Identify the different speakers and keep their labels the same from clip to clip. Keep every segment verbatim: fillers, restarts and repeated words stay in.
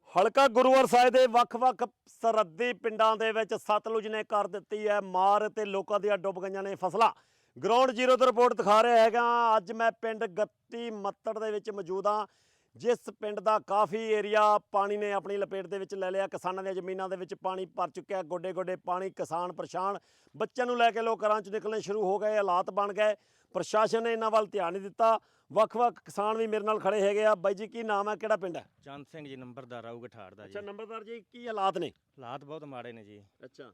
Speaker 1: ਹਲਕਾ ਗੁਰੂਵਾਰ ਸਾਹਿਬ ਦੇ ਵੱਖ-ਵੱਖ ਸਰਹੱਦੀ ਪਿੰਡਾਂ ਦੇ ਵਿੱਚ ਸਤਲੁਜ ਨੇ ਕਰ ਦਿੱਤੀ ਹੈ ਮਾਰ ਤੇ ਲੋਕਾਂ ਦੀਆਂ ਡੁੱਬ ਗਈਆਂ ਨੇ ਫਸਲਾਂ। ਗਰਾਊਂਡ ਜ਼ੀਰੋ ਤੋਂ ਰਿਪੋਰਟ ਦਿਖਾ ਰਿਹਾ ਹੈਗਾ। ਅੱਜ ਮੈਂ ਪਿੰਡ ਗੱਤੀ ਮੱਤੜ ਦੇ ਵਿੱਚ ਮੌਜੂਦ ਹਾਂ, ਜਿਸ ਪਿੰਡ ਦਾ ਕਾਫੀ ਏਰੀਆ ਪਾਣੀ ਨੇ ਆਪਣੀ ਲਪੇਟ ਦੇ ਵਿੱਚ ਲੈ ਲਿਆ। ਕਿਸਾਨਾਂ ਦੀਆਂ ਜ਼ਮੀਨਾਂ ਦੇ ਵਿੱਚ ਪਾਣੀ ਭਰ ਚੁੱਕਿਆ, ਗੋਡੇ ਗੋਡੇ ਪਾਣੀ, ਕਿਸਾਨ ਪਰੇਸ਼ਾਨ, ਬੱਚਿਆਂ ਨੂੰ ਲੈ ਕੇ ਲੋਕ ਘਰਾਂ 'ਚ ਨਿਕਲਣੇ ਸ਼ੁਰੂ ਹੋ ਗਏ, ਹਾਲਾਤ ਬਣ ਗਏ। ਪ੍ਰਸ਼ਾਸਨ ਨੇ ਇਹਨਾਂ ਵੱਲ ਧਿਆਨ ਨਹੀਂ ਦਿੱਤਾ। ਵੱਖ-ਵੱਖ ਕਿਸਾਨ ਵੀ ਮੇਰੇ ਨਾਲ ਖੜੇ ਹੈਗੇ ਆ। ਬਾਈ ਜੀ ਕੀ ਨਾਮ ਹੈ, ਕਿਹੜਾ ਪਿੰਡ ਹੈ?
Speaker 2: ਚੰਦ ਸਿੰਘ ਜੀ, ਨੰਬਰਦਾਰ ਆਊ ਗਠਾੜ ਦਾ ਜੀ।
Speaker 1: ਅੱਛਾ ਨੰਬਰਦਾਰ ਜੀ, ਕੀ ਹਾਲਾਤ ਨੇ?
Speaker 2: ਹਾਲਾਤ ਬਹੁਤ ਮਾੜੇ ਨੇ ਜੀ।
Speaker 1: ਅੱਛਾ,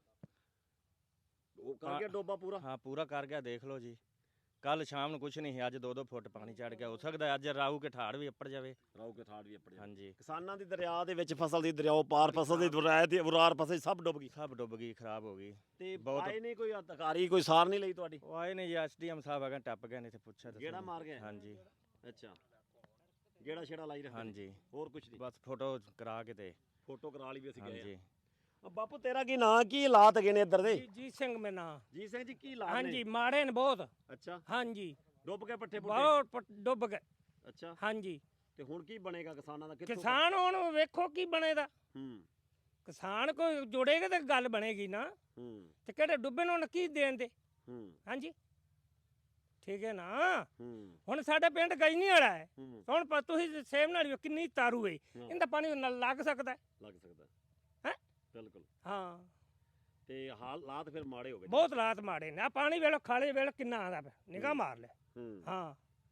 Speaker 1: ਉਹ ਕਰ ਗਿਆ ਡੋਬਾ ਪੂਰਾ?
Speaker 2: ਹਾਂ ਪੂਰਾ ਕਰ ਗਿਆ, ਦੇਖ ਲਓ ਜੀ। ਕੱਲ ਸ਼ਾਮ ਨੂੰ ਕੁਛ ਨਹੀਂ ਸੀ, ਅੱਜ ਦੋ ਦੋ ਫੁੱਟ ਪਾਣੀ ਚੜ ਗਿਆ। ਹੋ ਸਕਦਾ ਅੱਜ ਰਾਊ ਕੇ ਠਾੜ ਵੀ ਅੱਪੜ ਜਾਵੇ।
Speaker 1: ਰਾਊ ਕੇ ਠਾੜ ਵੀ ਅੱਪੜ ਜਾਵੇ।
Speaker 2: ਹਾਂਜੀ,
Speaker 1: ਕਿਸਾਨਾਂ ਦੀ ਦਰਿਆ ਦੇ ਵਿੱਚ ਫਸਲ ਦੀ ਦਰਿਆਓ ਪਾਰ ਫਸਲ ਦੀ ਦਰਿਆ ਦੀ ਉਰਾਰ ਫਸਲ ਸਭ ਡੁੱਬ ਗਈ।
Speaker 2: ਸਭ ਡੁੱਬ ਗਈ, ਖਰਾਬ ਹੋ ਗਈ।
Speaker 1: ਤੇ
Speaker 2: ਬਹੁਤ-
Speaker 1: ਆਏ ਨਹੀਂ ਕੋਈ ਅਧਿਕਾਰੀ, ਕੋਈ ਸਾਰ ਨਹੀਂ ਲਈ ਤੁਹਾਡੀ?
Speaker 2: ਉਹ ਆਏ ਨੇ ਜੀ, ਐਸ ਡੀ ਐਮ ਸਾਹਿਬ ਆ ਗਏ, ਟੱਪ ਗਏ ਨੇ ਇੱਥੇ, ਪੁੱਛਿਆ ਦੱਸੋ।
Speaker 1: ਗੇੜਾ ਮਾਰ ਗਏ?
Speaker 2: ਹਾਂਜੀ
Speaker 1: ਅੱਛਾ, ਗੇੜਾ ਛੇੜਾ ਲਾਈ ਰੱਖਿਆ?
Speaker 2: ਹਾਂਜੀ,
Speaker 1: ਹੋਰ ਕੁਛ ਨਹੀਂ,
Speaker 2: ਬਸ ਫੋਟੋ ਕਰਾ ਕੇ ਤੇ
Speaker 1: ਫੋਟੋ ਕਰਾ ਲਈ ਵੀ ਅਸੀਂ ਗਏ
Speaker 2: ਹਾਂਜੀ।
Speaker 1: ਆ। ਬਾਪੂ ਤੇਰਾ ਕੀ ਨਾਂ, ਕੀ ਹਾਲਾਤ ਹੈਗੇ ਨੇ ਇੱਧਰ ਦੇ?
Speaker 3: ਜੀਤ ਸਿੰਘ ਮੇਰਾ ਨਾਂ।
Speaker 1: ਜੀ ਸਿੰਘ ਜੀ, ਕੀ ਹਾਲਾਤ ਨੇ?
Speaker 3: ਹਾਂਜੀ ਮਾੜੇ ਨੇ ਬਹੁਤ।
Speaker 1: ਅੱਛਾ,
Speaker 3: ਹਾਂਜੀ
Speaker 1: ਡੁੱਬ ਗਏ ਪੱਠੇ ਪੁੱਠੇ?
Speaker 3: ਬਹੁਤ ਪ- ਡੁੱਬ ਗਏ।
Speaker 1: ਅੱਛਾ,
Speaker 3: ਹਾਂਜੀ
Speaker 1: ਤੇ ਹੁਣ ਕੀ ਬਣੇਗਾ ਕਿਸਾਨਾਂ ਦਾ? ਕਿੱਥੋਂ?
Speaker 3: ਕਿਸਾਨ ਹੁਣ ਵੇਖੋ ਕੀ ਬਣੇਦਾ।
Speaker 1: ਹੂੰ
Speaker 3: ਕਿਸਾਨ ਕੋਈ ਜੁੜੇਗਾ ਤੇ ਗੱਲ ਬਣੇਗੀ ਨਾ।
Speaker 1: ਹੂੰ
Speaker 3: ਤੇ ਕਿਹੜੇ ਡੁੱਬੇ ਨੂੰ ਹੁਣ ਕੀ ਦੇਣ ਦੇ?
Speaker 1: ਹੂੰ
Speaker 3: ਹਾਂਜੀ ਠੀਕ ਹੈ ਨਾ।
Speaker 1: ਹੂੰ
Speaker 3: ਹੁਣ ਸਾਡੇ ਪਿੰਡ ਗਜਨੀ ਵਾਲਾ ਹੈ।
Speaker 1: ਹੂੰ
Speaker 3: ਹੁਣ ਪ- ਤੁਸੀਂ ਸੇਮ ਨਾਲ ਵੇਖੋ ਕਿੰਨੀ ਤਾਰੂ ਹੈ। ਇਹਦਾ ਪਾਣੀ ਨਾਲ ਲੱਗ ਸਕਦਾ ਹੈ
Speaker 1: ਲੱਗ ਸਕਦਾ
Speaker 3: ਹੈਂ?
Speaker 1: ਬਿਲਕੁਲ।
Speaker 3: ਹਾਂ
Speaker 1: ਤੇ ਹਾਲਾਤ ਫਿਰ ਮਾੜੇ ਹੋ ਗਏ?
Speaker 3: ਬਹੁਤ ਹਾਲਾਤ ਮਾੜੇ ਨੇ। ਆ ਪਾਣੀ ਵੇਲੋ ਖਾਲੇ ਵੇਲੋ ਕਿੰਨਾ ਆਉਂਦਾ ਪਿਆ, ਨਿਗਾਹ ਮਾਰ ਲੈ।
Speaker 1: ਹੂੰ
Speaker 3: ਹਾਂ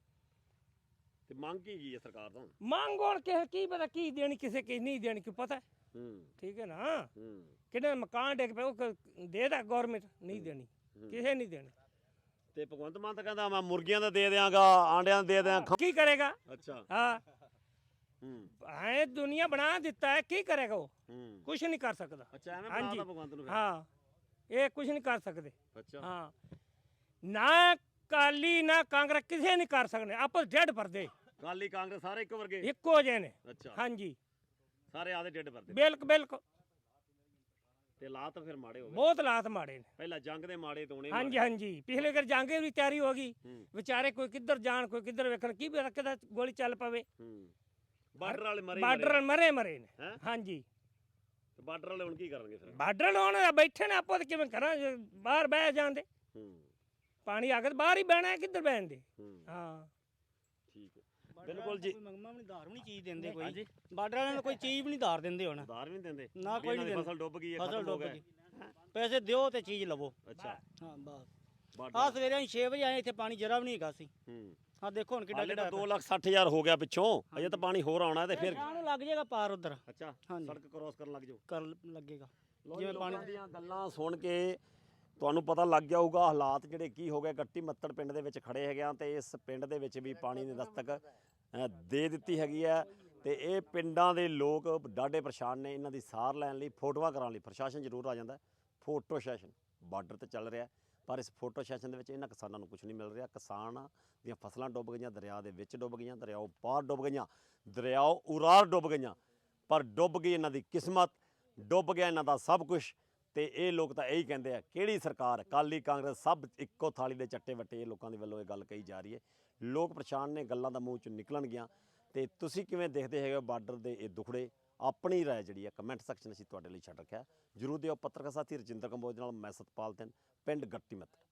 Speaker 1: ਤੇ ਮੰਗ ਕੀ ਗਈ ਹੈ ਸਰਕਾਰ ਤੋਂ?
Speaker 3: ਮੰਗ ਹੁਣ ਕਿਸੇ ਕੀ ਪਤਾ ਕੀ ਦੇਣੀ, ਕਿਸੇ ਕੀ ਨਹੀਂ ਦੇਣੀ, ਕੀ ਪਤਾ।
Speaker 1: ਹੂੰ
Speaker 3: ਠੀਕ ਹੈ ਨਾ।
Speaker 1: ਹੂੰ
Speaker 3: ਕਿਹਨੇ ਮਕਾਨ ਡਿੱਗ ਪਿਆ ਉਹ ਕ- ਦੇ ਦਾ ਗਵਰਨਮੈਂਟ ਨਹੀਂ ਦੇਣੀ, ਕਿਸੇ ਨਹੀਂ ਦੇਣੀ।
Speaker 1: ਤੇ ਭਗਵੰਤ ਮਾਨ ਤਾਂ ਕਹਿੰਦਾ ਮੈਂ ਮੁਰਗੀਆਂ ਦਾ ਦੇ ਦਿਆਂਗਾ, ਆਂਡਿਆਂ ਦਾ ਦੇ ਦਿਆਂ।
Speaker 3: ਕੀ ਕਰੇਗਾ?
Speaker 1: ਅੱਛਾ।
Speaker 3: ਹਾਂ
Speaker 1: ਹੂੰ
Speaker 3: ਐ ਦੁਨੀਆ ਬਣਾ ਦਿੱਤਾ ਹੈ, ਕੀ ਕਰੇਗਾ ਉਹ?
Speaker 1: ਹੂੰ
Speaker 3: ਕੁਝ ਨਹੀਂ ਕਰ ਸਕਦਾ।
Speaker 1: ਅੱਛਾ, ਐਵੇਂ
Speaker 3: ਹਾਂਜੀ।
Speaker 1: ਬਣਾਤਾ ਭਗਵੰਤ ਨੂੰ ਫਿਰ?
Speaker 3: ਹਾਂ ਇਹ ਕੁਝ ਨਹੀਂ ਕਰ ਸਕਦੇ।
Speaker 1: ਅੱਛਾ।
Speaker 3: ਹਾਂ ਨਾ ਕਾਲੀ ਨਾ ਕਾਂਗਰਸ ਕਿਸੇ ਨਹੀਂ ਕਰ ਸਕਦੇ। ਆਪਸ ਡੇਢ ਭਰਦੇ
Speaker 1: ਕਾਲੀ ਕਾਂਗਰਸ ਸਾਰੇ ਇੱਕੋ ਵਰਗੇ?
Speaker 3: ਇੱਕੋ ਜਿਹੇ ਨੇ।
Speaker 1: ਅੱਛਾ,
Speaker 3: ਹਾਂਜੀ
Speaker 1: ਸਾਰੇ ਆਦੇ ਡੇਢ ਵਰਦੇ?
Speaker 3: ਬਿਲਕੁਲ ਬਿਲਕੁਲ।
Speaker 1: ਤੇ ਹਾਲਾਤ ਫਿਰ ਮਾੜੇ ਹੋ ਗਏ?
Speaker 3: ਬਹੁਤ ਹਾਲਾਤ ਮਾੜੇ ਨੇ।
Speaker 1: ਪਹਿਲਾਂ ਜੰਗ ਦੇ ਮਾੜੇ ਤੋਣੇ?
Speaker 3: ਹਾਂਜੀ ਹਾਂਜੀ ਪਿਛਲੇ ਕਰ ਜਾਂਗੇ ਵੀ ਤਿਆਰੀ ਹੋ ਗਈ।
Speaker 1: ਹੂੰ
Speaker 3: ਵਿਚਾਰੇ ਕੋਈ ਕਿੱਧਰ ਜਾਣ, ਕੋਈ ਕਿੱਧਰ ਵੇਖਣ, ਕੀ ਪਤਾ ਕਿੱਦਾਂ ਗੋਲੀ ਚੱਲ ਪਵੇ।
Speaker 1: ਹੂੰ ਬਾਰਡਰ ਵਾਲੇ ਮਰੇ?
Speaker 3: ਬਾਰਡਰ ਮਰੇ ਮਰੇ ਨੇ।
Speaker 1: ਹੈਂ?
Speaker 3: ਹਾਂਜੀ
Speaker 1: ਤੇ ਬਾਰਡਰ ਵਾਲੇ ਹੁਣ ਕੀ ਕਰਨਗੇ ਫਿਰ?
Speaker 3: ਬਾਰਡਰ ਲਾਉਣ ਬੈਠੇ ਨੇ, ਆਪੋ ਤੇ ਕਿਵੇਂ ਕਰਾਂ, ਜੇ ਬਾਹਰ ਬਹਿ ਜਾਂਦੇ।
Speaker 1: ਹੂੰ
Speaker 3: ਪਾਣੀ ਆ ਗਿਆ ਤਾਂ ਬਾਹਰ ਹੀ ਬਹਿਣਾ ਹੈ, ਕਿੱਧਰ ਬਹਿਣ ਦੇ।
Speaker 1: ਹੂੰ
Speaker 3: ਹਾਂ
Speaker 1: ਠੀਕ ਹੈ, ਬਿਲਕੁਲ ਜੀ।
Speaker 4: ਕੋਈ ਮੰਗਮਾ ਵੀ ਨਹੀਂ, ਧਾਰ ਵੀ ਨਹੀਂ ਚੀਜ਼ ਦਿੰਦੇ ਕੋਈ। ਬਾਰਡਰ ਵਾਲਿਆਂ ਨੂੰ ਕੋਈ ਚੀਜ਼ ਵੀ ਨਹੀਂ ਧਾਰ ਦਿੰਦੇ ਹੁਣ।
Speaker 1: ਉਧਾਰ ਵੀ ਨਹੀਂ ਦਿੰਦੇ?
Speaker 4: ਨਾ ਕੋਈ ਨਹੀਂ
Speaker 1: ਇਹਨਾਂ ਦੀ
Speaker 4: ਦਿੰਦਾ।
Speaker 1: ਫਸਲ ਡੁੱਬ ਗਈ ਹੈ,
Speaker 4: ਫਸਲ
Speaker 1: ਖਤਮ ਹੋ
Speaker 4: ਡੁੱਬ
Speaker 1: ਗਏ।
Speaker 4: ਗਈ, ਪੈਸੇ ਦਿਓ ਤੇ ਚੀਜ਼ ਲਵੋ।
Speaker 1: ਅੱਛਾ,
Speaker 4: ਹਾਂ ਬਸ।
Speaker 1: ਬਾਰਡਰ
Speaker 4: ਆ ਸਵੇਰੇ ਅਸੀਂ ਛੇ ਵਜੇ ਆਏ, ਇੱਥੇ ਪਾਣੀ ਜਰਾ ਵੀ ਨਹੀਂ ਹੈਗਾ ਸੀ।
Speaker 1: ਹੂੰ
Speaker 4: ਆ ਦੇਖੋ ਹੁਣ ਕਿੱਡਾ
Speaker 1: ਹਾਲੇ
Speaker 4: ਕਿੱਡਾ
Speaker 1: ਤਾਂ ਦੋ ਲੱਖ ਸੱਠ ਹਜ਼ਾਰ ਹੋ ਗਿਆ ਪਿੱਛੋਂ, ਅਜੇ ਤਾਂ ਪਾਣੀ ਹੋਰ ਆਉਣਾ ਤੇ ਫਿਰ।
Speaker 4: ਸ਼ਾਮ ਨੂੰ ਲੱਗ ਜਾਏਗਾ ਪਾਰ ਉਧਰ।
Speaker 1: ਅੱਛਾ,
Speaker 4: ਹਾਂਜੀ।
Speaker 1: ਸੜਕ ਕ੍ਰੋਸ ਕਰਨ ਲੱਗ ਜਾਓ।
Speaker 4: ਕਰ ਲੱਗੇਗਾ
Speaker 1: ਜਿਵੇਂ ਪਾਣੀ ਦੀਆਂ ਗੱਲਾਂ ਸੁਣ ਕੇ ਤੁਹਾਨੂੰ ਪਤਾ ਲੱਗ ਗਿਆ ਹੋਊਗਾ ਹਾਲਾਤ ਜਿਹੜੇ ਕੀ ਹੋ ਗਏ। ਗੱਟੀ ਮੱਤੜ ਪਿੰਡ ਦੇ ਵਿੱਚ ਖੜੇ ਹੈਗੇ ਆ ਤੇ ਇਸ ਪਿੰਡ ਦੇ ਵਿੱਚ ਵੀ ਪਾਣੀ ਨੇ ਦਸਤਕ ਅ, ਦੇ ਦਿੱਤੀ ਹੈਗੀ ਹੈ। ਤੇ ਇਹ ਪਿੰਡਾਂ ਦੇ ਲੋਕ ਡਾਢੇ ਪਰੇਸ਼ਾਨ ਨੇ। ਇਹਨਾਂ ਦੀ ਸਾਰ ਲੈਣ ਲਈ, ਫੋਟੋਆਂ ਕਰਾਉਣ ਲਈ ਪ੍ਰਸ਼ਾਸਨ ਜ਼ਰੂਰ ਆ ਜਾਂਦਾ। ਫੋਟੋ ਸੈਸ਼ਨ ਬਾਰਡਰ ਤੇ ਚੱਲ ਰਿਹਾ, ਪਰ ਇਸ ਫੋਟੋ ਸੈਸ਼ਨ ਦੇ ਵਿੱਚ ਇਹਨਾਂ ਕਿਸਾਨਾਂ ਨੂੰ ਕੁਝ ਨਹੀਂ ਮਿਲ ਰਿਹਾ। ਕਿਸਾਨ ਦੀਆਂ ਫਸਲਾਂ ਡੁੱਬ ਗਈਆਂ, ਦਰਿਆ ਦੇ ਵਿੱਚ ਡੁੱਬ ਗਈਆਂ, ਦਰਿਆਓ ਪਾਰ ਡੁੱਬ ਗਈਆਂ, ਦਰਿਆਓ ਉਰਾਰ ਡੁੱਬ ਗਈਆਂ, ਪਰ ਡੁੱਬ ਗਈ ਇਹਨਾਂ ਦੀ ਕਿਸਮਤ, ਡੁੱਬ ਗਿਆ ਇਹਨਾਂ ਦਾ ਸਭ ਕੁਝ। ਤੇ ਇਹ ਲੋਕ ਤਾਂ ਇਹੀ ਕਹਿੰਦੇ ਆ, ਕਿਹੜੀ ਸਰਕਾਰ, ਅਕਾਲੀ ਕਾਂਗਰਸ ਸਭ ਇੱਕੋ ਥਾਲੀ ਦੇ ਚੱਟੇ ਵੱਟੇ। ਇਹ ਲੋਕਾਂ ਦੇ ਵੱਲੋਂ ਇਹ ਗੱਲ ਕਹੀ ਜਾ ਰਹੀ ਹੈ। ਲੋਕ ਪਰੇਸ਼ਾਨ ਨੇ, ਗੱਲਾਂ ਦਾ ਮੂੰਹ ਚੋਂ ਨਿਕਲਣਗੀਆਂ। ਤੇ ਤੁਸੀਂ ਕਿਵੇਂ ਦੇਖਦੇ ਹੈਗੇ ਬਾਰਡਰ ਦੇ ਇਹ ਦੁਖੜੇ? ਆਪਣੀ ਰਾਏ ਜਿਹੜੀ ਹੈ ਕਮੈਂਟ ਸੈਕਸ਼ਨ ਅਸੀਂ ਤੁਹਾਡੇ ਲਈ ਛੱਡ ਰੱਖਿਆ। ਜਰੂਰ ਦਿਓ। ਪੱਤਰਕਾਰ ਸਾਥੀ ਰਜਿੰਦਰ ਕੰਬੋਜ ਨਾਲ ਮੈਂ ਸਤਪਾਲ ਸਿੰਘ, ਪਿੰਡ ਗੱਟੀ ਮੱਤੜ।